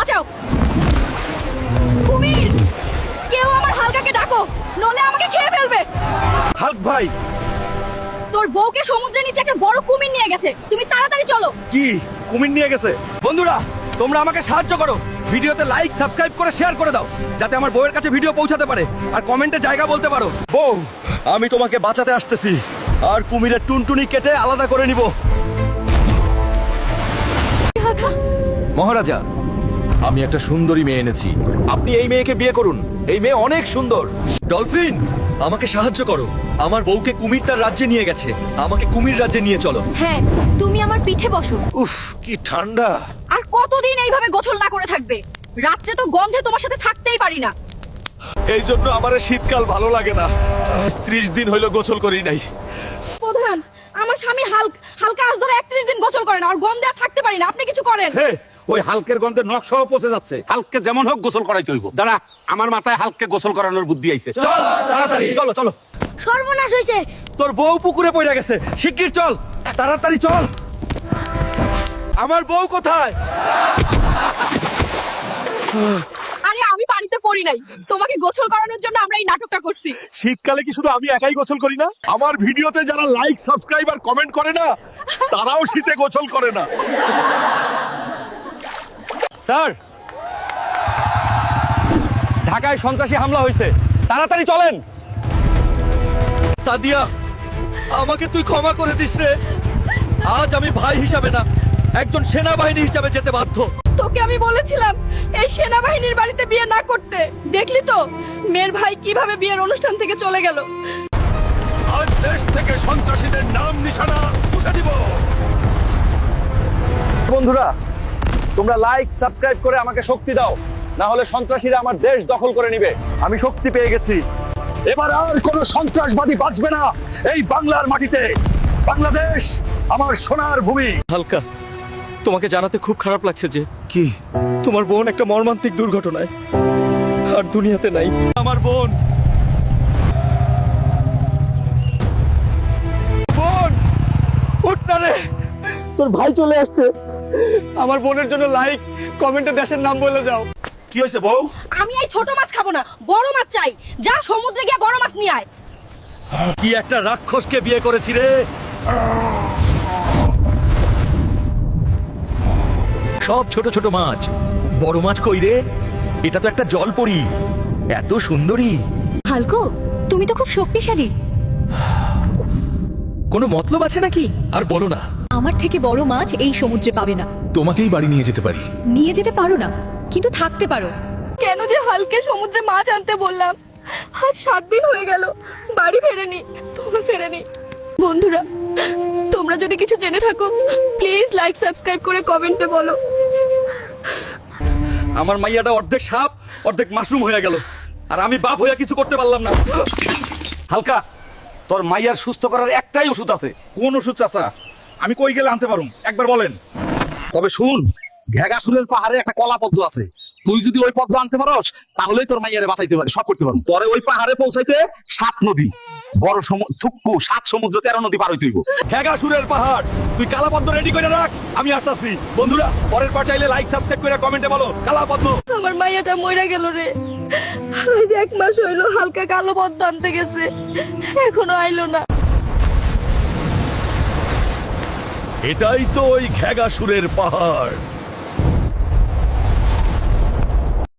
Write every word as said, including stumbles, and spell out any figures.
বাঁচাও। কুমির, কেউ আমার হালকাকে ডাকো, নলে আমাকে খেয়ে ফেলবে। হাল্ক ভাই, তোর বউকে সমুদ্রের নিচে একটা বড় কুমির নিয়ে গেছে, তুমি তাড়াতাড়ি চলো। কি কুমির নিয়ে গেছে? বন্ধুরা, তোমরা আমাকে সাহায্য করো, ভিডিওতে লাইক সাবস্ক্রাইব করে শেয়ার করে দাও, যাতে আমার বউয়ের কাছে ভিডিও পৌঁছাতে পারে, আর কমেন্টে জায়গা বলতে পারো। বউ, আমি তোমাকে বাঁচাতে আসতেছি, আর কুমিরের টুনটুনি কেটে আলাদা করে নিব। মহারাজা, আমি একটা সুন্দরী মেয়ে এনেছি, আপনি এই মেয়েকে বিয়ে করুন। এই মেয়ে অনেক সুন্দর। ডলফিন, আমাকে সাহায্য করো, আমার বউকে কুমির তার রাজ্যে নিয়ে গেছে, আমাকে কুমির রাজ্যে নিয়ে চলো। হ্যাঁ, তুমি আমার পিঠে বসো। উফ, কি ঠান্ডা। আর কতদিন এইভাবে গোসল না করে থাকবে? রাত্রে তো গন্ধে তোমার সাথে থাকতেই পারি না। এই জন্য আমার শীতকাল ভালো লাগে না। ত্রিশ দিন হইলো গোসল করি নাই। প্রধান, আমার স্বামী হালক হালকা আজ ধরে একত্রিশ দিন গোসল করে না, আর গন্ধে আর থাকতে পারি না, আপনি কিছু করেন। হে, ওই হালকের গন্ধে নখ সহ পচে যাচ্ছে। হালককে যেমন হোক গোসল করাইতে হইব। দাঁড়া, আমার মাথায় হালককে গোসল করানোর বুদ্ধি আইছে। চল তাড়াতাড়ি, চলো চলো। সর্বনাশ হইছে। তোর বউ পুকুরে পড়ে গেছে, শিগগির চল, তাড়াতাড়ি চল। আমার বউ কোথায়? আরে আমি পানিতে পড়ি নাই, তোমাকে গোসল করানোর জন্য আমরা এই নাটকটা করছি। শীতকালে কি শুধু আমি একাই গোসল করি না? আমার ভিডিওতে যারা লাইক সাবস্ক্রাইব আর কমেন্ট করে না, তারাও শীতে গোসল করে না। স্যার, ঢাকায় সন্ত্রাসী হামলা হয়েছে, তাড়াতাড়ি চলেন। সাদিয়া, আমাকে তুই ক্ষমা করে দিস রে। আজ আমি ভাই হিসাবে না, একজন সেনাবাহিনী হিসাবে যেতে বাধ্য। তোকে আমি বলেছিলাম এই সেনাবাহিনীর বাড়িতে বিয়ে না করতে, দেখলি তো মেয়ের ভাই কিভাবে বিয়ের অনুষ্ঠান থেকে চলে গেল। আজ দেশ থেকে সন্ত্রাসীদের নাম নিশানা মুছে দিব। বন্ধুরা, তোমরা লাইক সাবস্ক্রাইব করে আমাকে শক্তি দাও, না হলে সন্ত্রাসীরা আমার দেশ দখল করে নেবে। আমি শক্তি পেয়ে গেছি, এবার আর কোনো সন্ত্রাসবাদী বাঁচবে না এই বাংলার মাটিতে। বাংলাদেশ আমার সোনার ভূমি। হালকা, তোমাকে জানাতে খুব খারাপ লাগছে যে কি তোমার বোন একটা মর্মান্তিক দুর্ঘটনায় আর দুনিয়াতে নাই। আমার বোন, বোন উঠ না রে, তোর ভাই চলে আসছে। আমার বোনের জন্য লাইক কমেন্টে দেশের নাম বলে যাও। কি হয়েছে বউ? আমি এই ছোট মাছ খাবো না, বড় মাছ চাই। যা সমুদ্রে গিয়ে বড় মাছ নিয়ে আয়। কি একটা রাক্ষসকে বিয়ে করেছি রে। সব ছোট ছোট মাছ, বড় মাছ কই রে? এটা তো একটা জলপরি, এত সুন্দরী। হালকো, তুমি তো খুব শক্তিশালী। কোনো মতলব আছে নাকি? আর বলো না। আমার থেকে বড় মাছ এই সমুদ্রে পাবে না। তোমাকেই বাড়ি নিয়ে যেতে পারি। নিয়ে যেতে পারো না, কিন্তু থাকতে পারো। কেন যে হালকে সমুদ্রে মাছ আনতে বললাম? আজ সাত দিন হয়ে গেল, বাড়ি ফেরেনি, তোমরা ফেরেনি। বন্ধুরা, তোমরা যদি কিছু জেনে থাকো প্লিজ লাইক সাবস্ক্রাইব করে কমেন্টে বলো। আমার মাইয়াটা অর্ধেক সাপ অর্ধেক মাশরুম হয়ে গেল, আর আমি বাপ হইয়া কিছু করতে পারলাম না। হালকা, তোর মাইয়ার সুস্থ করার একটাই ওষুধ আছে। কোন ওষুধ চাচা? আমি কই গেলে আনতে পারুম, একবার বলেন। তবে শুন, ঘেগাসুলের পাহাড়ে একটা কলা পদ্ম আছে। তুই যদি ওই পদ্ম আনতে পারস, তাহলেই তোর মাইয়ারে বাঁচাইতে পারি, সব করতে পারবো। পরে ওই পাহাড়ে পৌঁছাইতে সাত নদী, বড় সমুদ্র থুক্কু, সাত সমুদ্র তেরো নদী পার হইতে হইব। হেগাসুরের পাহাড়, তুই কালাপদ্ম রেডি করে রাখ, আমি আসতাছি। বন্ধুরা, পরের পার চাইলে লাইক সাবস্ক্রাইব করে কমেন্টে বলো কালাপদ্ম। আমার মাইয়াটা মইরা গেল রে। আজ এক মাস হইলো হালকা কালো পদ্ম আনতে গেছে, এখনো আইলো না। এটাই তো ওই ঘেগাসুরের পাহাড়।